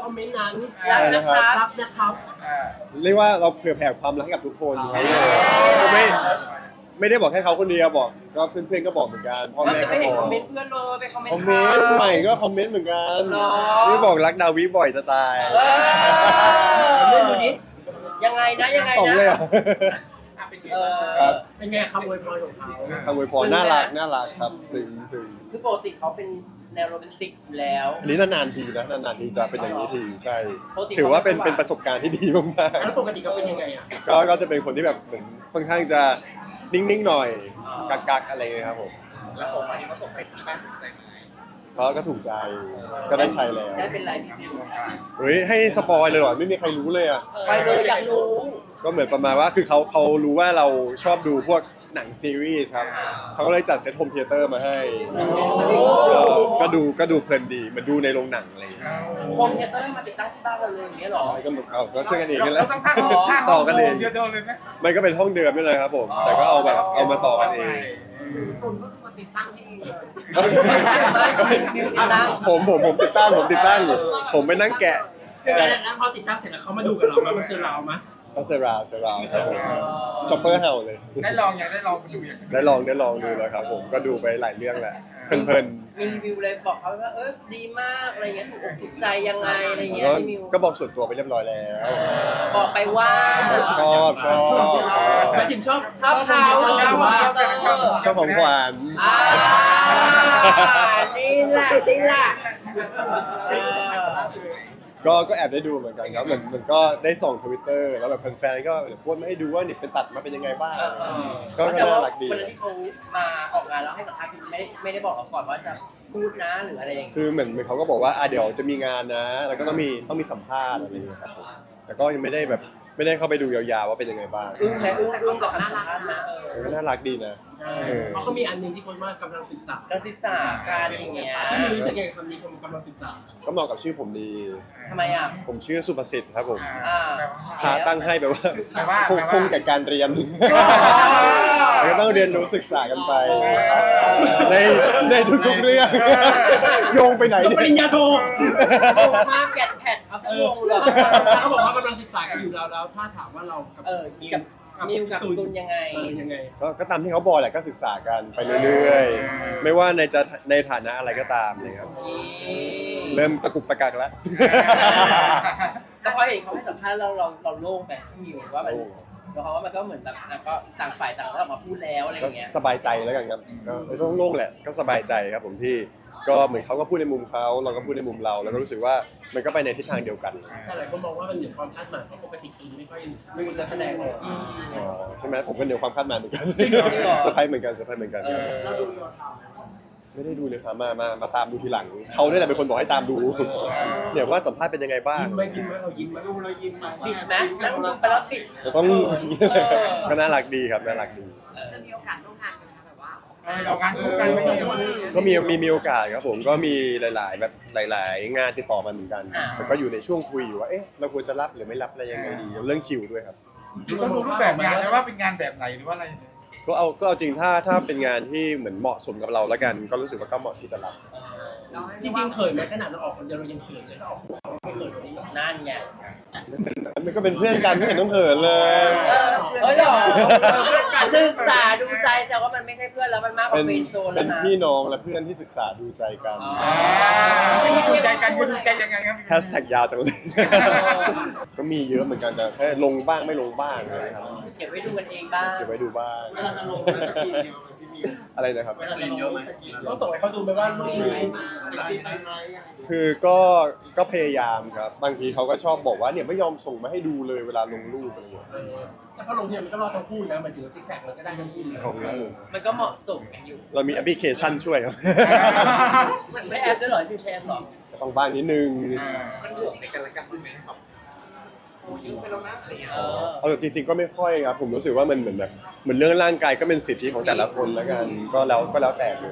อมเมนต์นั้นรักนะครับรักนะครับเรียกว่าเราเผื่อแผ่ความรักให้กับทุกคนครับก็ไม่ได้บอกแค่เขาคนเดียวบอกก็เพื่อนๆก็บอกเหมือนกันพ่อเราแม่จะก็ไม่เห็บนอกคอมเมนต์เพื่อนเลยไปคอมเมนคอมต์เมนต์ใหม่ก็คอมเมนต์เหมือนกันหรอนี่บอกรักดาวิบ่อยจะตายเรื่องนี้ยังไงนะยังไงสองนะเลยอ่ะ ครับเป็นไงคำอวยพรของเขาคำอวยพรน่ารักครับซึ้งคือปกติเขาเป็นแนวโรแมนติกอยู่แล้วอันนี้นานๆทีนะนานๆทีจะเป็นอย่างนี้ทีใช่ปกติถือว่าเป็นประสบการณ์ที่ดีมากแล้วปกติเขาเป็นยังไงอ่ะๆก็จะเป็นคนที่แบบเหมือนค่อนข้างจะนิ่งๆหน่อยกักๆอะไรเงี้ยครับผมแล้วของอันนี้เขาตกไปที่บ้านถูกใจไหมเพราะก็ถูกใจก็ได้ใช้แล้วได้เป็นไลฟ์รีวิวเฮ้ยให้สปอยเลยเหรอไม่มีใครรู้เลยอ่ะไปเลยอยากรู้ก็เหมือนประมาณว่าคือเขารู้ว่าเราชอบดูพวกหนังซีรีส์ครับเขาก็เลยจัดเซตโฮมเธียเตอร์มาให้ก็ดูเพลินดีเหมือนดูในโรงหนังอะไรอย่างเงี้ยโฮมเธียเตอร์มาติดตั้งที่บ้านเราเลยอย่างเงี้ยเหรอใช่ก็เหมือนก็ช่วยกันเองนั่นแหเราละต้องสร้างต่อกันเองเดียวเลยไหมมันก็เป็นห้องเดิมนี่เลยครับผมแต่ก็เอาแบบเอามาต่อกันเองตุนก็คือมาติดตั้งให้เองเลยมิวสิกตั้งผมติดตั้งอยู่ผมไปนั่งแกะแล้วพอติดตั้งเสร็จแล้วเขามาดูกับเรามันซื้อเราไหมก็เซราวครับผมช็อปเปอร์เฮาเลยได้ลองยังได้ลองดูยังได้ลองดูแล้วครับผมก็ดูไปหลายเรื่องแหละเพลินมีรีวิวเลยบอกเขาว่าดีมากอะไรเงี้ยถูกอกถูกใจยังไงอะไรๆเงี้ยก็พี่มิวก็บอกส่วนตัวไปเรียบร้อยแล้วบอกไปว่าชอบหมายถึงชอบชอบเขาหรือว่าชอบของขวัญอ่านี่แหละเออก็แอบได้ดูเหมือนกันครับเหมือนก็ได้ส่องทวิตเตอร์แล้วแบบแฟนๆก็พูดมาให้ดูว่านี่เป็นตัดมาเป็นยังไงบ้างก็น่ารักดีวันนั้นที่เขามาออกงานแล้วให้สัมภาษณ์ไม่ได้บอกเราก่อนว่าจะพูดนะหรืออะไรอย่างเงี้ยคือเหมือนเขาก็บอกว่าเดี๋ยวจะมีงานนะ แล้วก็ต้องมีสัมภาษณ์อะไรอย่างเงี้ยครับผมแต่ก็ยังไม่ได้เข้าไปดูยาวๆว่าเป็นยังไงบ้างอึ้งกับคำสัมภาษณ์นะก็น่ารักดีนะเพราะเขามีอันหนึงที่คนว่ากำลังศึกษาการศึกษาการอย่างเงี้ยพี่มิวรู้สึกไงกับคำนี้กำลังศึกษาก็เหมาะกับชื่อผมดีทำไมอ่ะผมชื่อสุภสิทธิ์ครับผมอ่าพาตั้งให้แบบว่าคงแก่การเรียนอแล้วก็ต้องเรียนรู้ศึกษากันไป ในทุกๆเรื่องโยงไปไหนจบปริญญาโทโอ้มากแกะแผ่นเอาสักวงเลยเขาบอกว่ากำลังศึกษากันอยู่แล้วถ้าถามว่าเรากับกับมิวกับตุนยังไงยังไงก็ตามที่เขาบอกแหละก็ศึกษากันไปเรื่อยๆ ไม่ว่าในฐานะอะไรก็ตามเลยครับ เริ่มตะกุกตะกักแล้วแต่พอเห็นเขาให้สัมภาษณ์เราโล่งไปพี่มิวว่ามันเพราะว่ามันก็เหมือนแบบก็ต่างฝ่ายต่างก็ออกมาพูดแล้วอะไรอย่างเงี้ยสบายใจแล้วกันครับก็โล่งๆแหละก็สบายใจครับผมที่ก็เหมือนเขาก็พูดในมุมเขาเราก็พูดในมุมเราแล้วก็รู้สึกว่ามันก็ไปในทิศทางเดียวกันแต่หลายคนมองว่ามันเหนือความคาดหมายเพราะปกติตุนไม่ค่อยพูดและแสดงออกอ๋อใช่ไหมผมก็เหนือความคาดหมายเหมือนกันจริงเหรอเซอร์ไพรส์เหมือนกันครับเราดูยอดทไม่ได้ดูเลยครับมาตามดูทีหลังเขาเนี่ยแหละเป็นคนบอกให้ตามดูเนี่ยว่าสัมภาษณ์เป็นยังไงบ้างยิ้มไหมเรายิ้มไหมดูเรายิ้มไหมปิดไหมนั่งดูไปแล้วปิดเราต้องก็น่ารักดีครับน่ารักดีจะมีโอกาสร่วมงานกันไหมคะแบบว่าเรางานคู่กันไม่มีก็มีโอกาสครับผมก็มีหลายๆแบบหลาย ๆ งานติดต่อมาเหมือนกันแต่ก็อยู่ในช่วงคุยอยู่ว่าเอ๊ะเราควรจะรับหรือไม่รับอะไรยังไงดีเรื่องคิวด้วยครับต้องดูรูปแบบงานนะว่าเป็นงานแบบไหนหรือว่าอะไรก็เอาจริงถ้าเป็นงานที่เหมือนเหมาะสมกับเราแล้วกัน ก็รู้สึกว่าก็เหมาะที่จะรับจริงๆเขินไหมขนาดเราออกคนเดียวเรายังเขินเลยถ้าออกคู่เขาไม่เขินกว่านี้หรอนั่นไงมันก็เป็นเพื่อนกันไม่เห็นต้องเขินเลยเฮ้ยหรอศึกษาดูใจแสดงว่ามันไม่ใช่เพื่อนแล้วมันมากกว่าเป็นเฟรนด์โซนแล้เป็วน นะพี่น้องและเพื่อนที่ศึกษาดูใจกันไม่ดูใจกันคุณดูใจยังไงครับแฮชแท็กยาวจังเลย ก็มีเยอะเหมือนกันแต่แค่ลงบ้างไม่ลงบ้างอะไรครับเก็บไว้ดูกันเองบ้างเก็บไว้ดูบ้างเวลาจะลงไปสักทีเดียวพี่มิวอะไรนะครับเวลาจะลงไปสักทีต้องส่งให้เขาดูไหมว่ารูปนี้ติดติดไปไหมคือก็พยายามครับ บางทีเขาก็ชอบบอกว่าเนี่ยไม่ยอมส่งมาให้ดูเลยเวลาลงรูปอะไรอย่างเงี้ยแต่พอลงทีมันก็รอดทั้งคู่นะหมายถึงซิกแพคมันก็ได้ทั้งคู่นะของเรามันก็เหมาะสมกันอยู่เรามีแอปพลิเคชันช่วยครับมันไม่แอปด้วยเหรอพี่ใช้แอปหรอก็ต้องบ้างนิดนึงมันห่วงในกันและกันด้วยไหมครับโอ้ยุ่งไปแล้วนะอะไรอย่างเงี้ยเอาจริงๆก็ไม่ค่อยครับ ผมรู้สึกว่ามันเหมือนแบบเหมือนเรื่องร่างกายก็เป็นสิทธิของแต่ละคนแล้วกัน ก็แล้วแต่เลย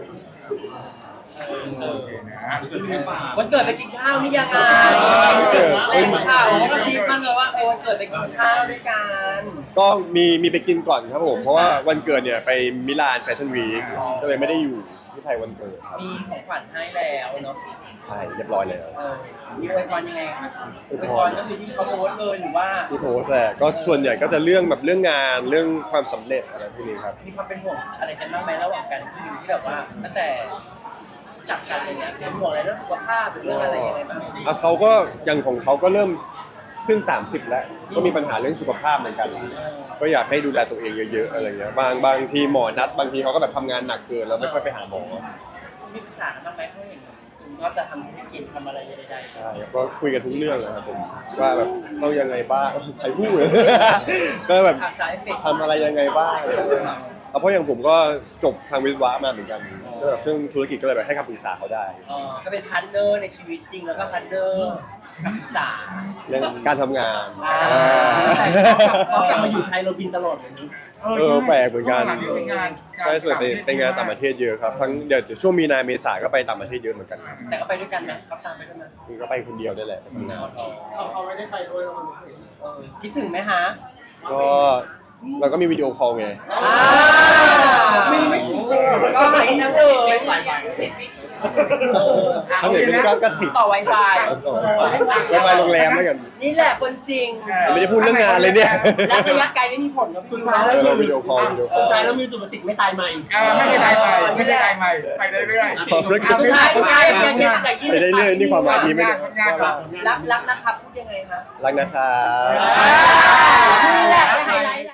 วันเกิดไปกินข้าวนี่ยังไงเล่นข่าวเขาก็ซิปมาเลยว่าวันเกิดไปกินข้าวด้วยกันก็มีไปกินก่อนครับผม เพราะว่าวันเกิดเนี่ยไปมิลานแฟชั่นวีคก็เลยไม่ได้อยู่ที่ไทยวันเกิดครับมีของขวัญให้แล้วเนาะคใช่เรียบร้อยแล้วมีอวยพรยังไงครับอวยพรก็คือที่เขาโพสต์เลยหรือว่าที่โพสต์แหละก็ส่วนใหญ่ก็จะเรื่องแบบเรื่องงานเรื่องความสำเร็จอะไรพวกนี้ครับมีความเป็นห่วงอะไรกันบ้างไหมระหว่างกันที่แบบว่าตั้งแต่จับกันอะไรเงี้ยเป็นห่วงอะไรเรื่องสุขภาพหรือเรื่องอะไรยังไงบ้างเขาก็อย่างของเขาก็เริ่มขึ้น 30 แล้วก็มีปัญหาเรื่องสุขภาพเหมือนกัน ก็อยากให้ดูแลตัวเองเยอะๆอะไรเงี้ยบางทีหมอนัดบางทีเขาก็แบบทำงานหนักเกินแล้วไม่ค่อยไปหาหมอมีปรึกษากันบ้างไหมเพราะเห็นคุณก็จะทำธุรกิจทำอะไรใดๆใช่ก็คุยกันทุกเรื่องนะครับผมว่าแบบต้องยังไงบ้างใครพูด ก็แบบอาจจะเอฟเฟกต์ทำอะไรยังไงบ้างเพราะอย่างผมก็จบทางวิศวะมาเหมือนกันก็แบบเรื่องธุรกิจก็เลยแบบให้คำปรึกษาเขาได้ก็เป็นพาร์ทเนอร์ในชีวิตจริงแล้วก็พาร์ทเนอร์คำปรึกษาเรื่องการทำงานพอกลับมาอยู่ไทยเราบินตลอดแบบนี้แปลกเหมือนกันหลังเป็นงานใช่ส่วนไปงานต่างประเทศเยอะครับทั้งเดี๋ยวช่วงมีนาเมษาก็ไปต่างประเทศเยอะเหมือนกันแต่ก็ไปด้วยกันนะเขาตามไปด้วยนะคือก็ไปคนเดียวได้แหละไปทำงานเขาไม่ได้ไปด้วยแล้วมันรู้สึกคิดถึงไหมฮะก็เราก็มีวิดีโอคอลไงไม่สิก็หายทั้งเลยถ้าเกิดไม่ได้ก็ติดต่อ Wi-Fi ไปโรงแรมแล้วกันนี่แหละคนจริงไม่ได้พูดเรื่องงานเลยเนี่ยและระยะไกลไม่มีผลนะสุคุณดท้ายแล้วเราวิดีโอคอลสุดท้ายแล้วมีสุภสิทธิ์ไม่ตายใหม่ไม่ได้ไปไม่ได้ไปไปเรื่อยสุดท้ายอย่างยิ่งไปได้เรื่อยนี่ความหมายดีไม่ได้รักนะครับพูดยังไงคะรักนะครับนี่แหละไฮไลท์